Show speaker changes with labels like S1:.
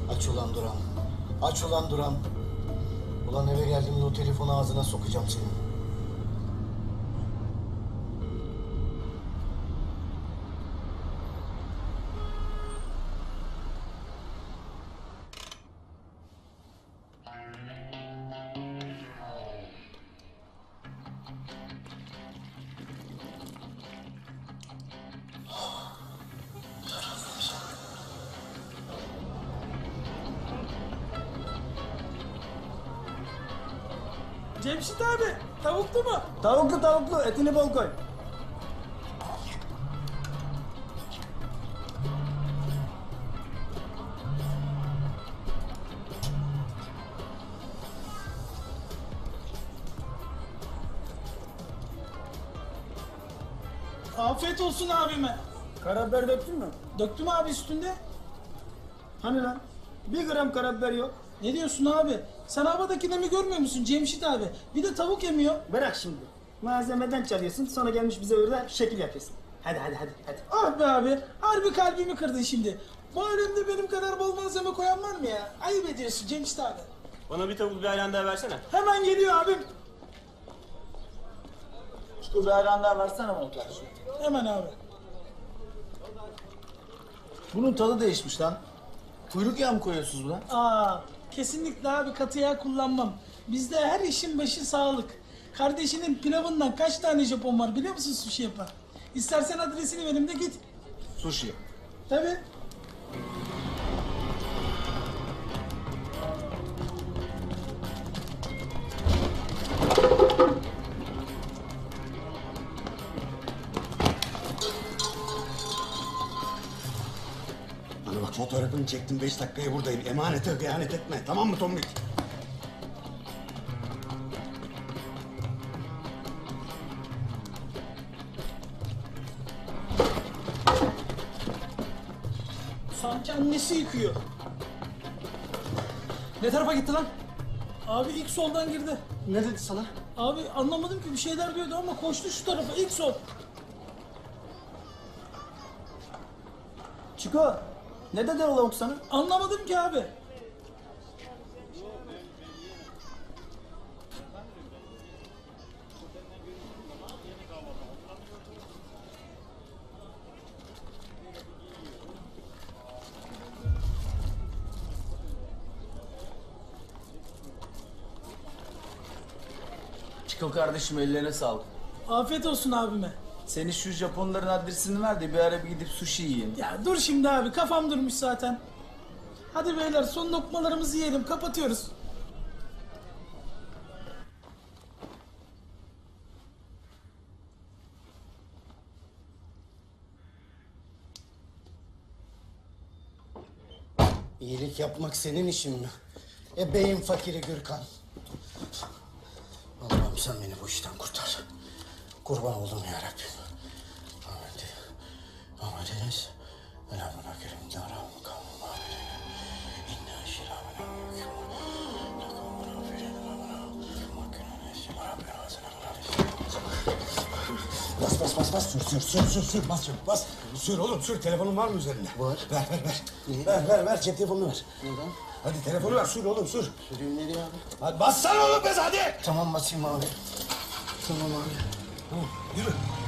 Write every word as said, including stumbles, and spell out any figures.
S1: Aç ulan Duran. Aç ulan Duran. Ulan eve geldiğimde o telefonu ağzına sokacağım senin.
S2: Cemşit abi, tavuklu mu?
S3: Tavuklu tavuklu, etini bol koy.
S2: Afiyet olsun abime.
S3: Karabiber döktün mü?
S2: Döktüm abi üstünde.
S3: Hani lan? Bir gram karabiber yok.
S2: Ne diyorsun abi? Sen havadakini mi görmüyor musun Cemşit abi? Bir de tavuk yemiyor.
S3: Bırak şimdi. Malzemeden çalıyorsun, sonra gelmiş bize orada şekil yapıyorsun. Hadi hadi hadi hadi.
S2: Ah be abi, harbi kalbimi kırdın şimdi. Bu alemde benim kadar bol malzeme koyan var mı ya? Ayıp ediyorsun Cemşit abi.
S4: Bana bir tavuk bir ayran daha versene.
S2: Hemen geliyor abim.
S3: Şu bir ayran daha versene bana kardeşim.
S2: Hemen abi.
S1: Bunun tadı değişmiş lan. Kuyruk yağı mı koyuyorsunuz buna?
S2: Aa, kesinlikle abi katı yağ kullanmam. Bizde her işin başı sağlık. Kardeşinin pilavından kaç tane Japon var biliyor musun sushi yapan? İstersen adresini vereyim de git.
S1: Sushi.
S2: Tabii.
S5: Bana bak, fotoğrafını çektim, beş dakikaya buradayım. Emanete hıyanet etme, tamam mı Tombik?
S2: Sanki annesi yıkıyor.
S3: Ne tarafa gitti lan?
S2: Abi ilk soldan girdi.
S3: Ne dedi sana?
S2: Abi anlamadım ki bir şeyler diyordu ama koştu şu tarafa ilk sol.
S3: Çiko, ne dedi o lavuk sana?
S2: Anlamadım ki abi.
S6: Çiko kardeşim, ellerine sağlık.
S2: Afiyet olsun abime.
S6: Senin şu Japonların adresini ver de bir ara bir gidip sushi yiyin.
S2: Ya dur şimdi abi kafam durmuş zaten. Hadi beyler son lokmalarımızı yiyelim kapatıyoruz.
S1: İyilik yapmak senin işin mi? E beyin fakiri Gürkan. Allah'ım sen beni bu işten kurtar. Kurban oldum ya Rabbim. Ahmet. Ahmet'iniz. Elhamdülillah kerim. Yaram kavmum aferin. İnna şiramına mülküm. Lakamına aferin. Makine nesim. Rabbim hazine.
S5: Bas bas bas bas, sür sür sür sür sür, bas sür, bas. Sür oğlum, sür. Telefonun var mı üzerinde?
S1: Var.
S5: Ver ver ver.
S1: Niye?
S5: Ver ver ver, cep telefonunu ver.
S1: Neden?
S5: Hadi telefonu ver, sür oğlum, sür.
S1: Süreyim nereye abi?
S5: Hadi bassana oğlum, bez hadi.
S1: Tamam basayım abi. Tamam abi.
S5: Tamam, yürü.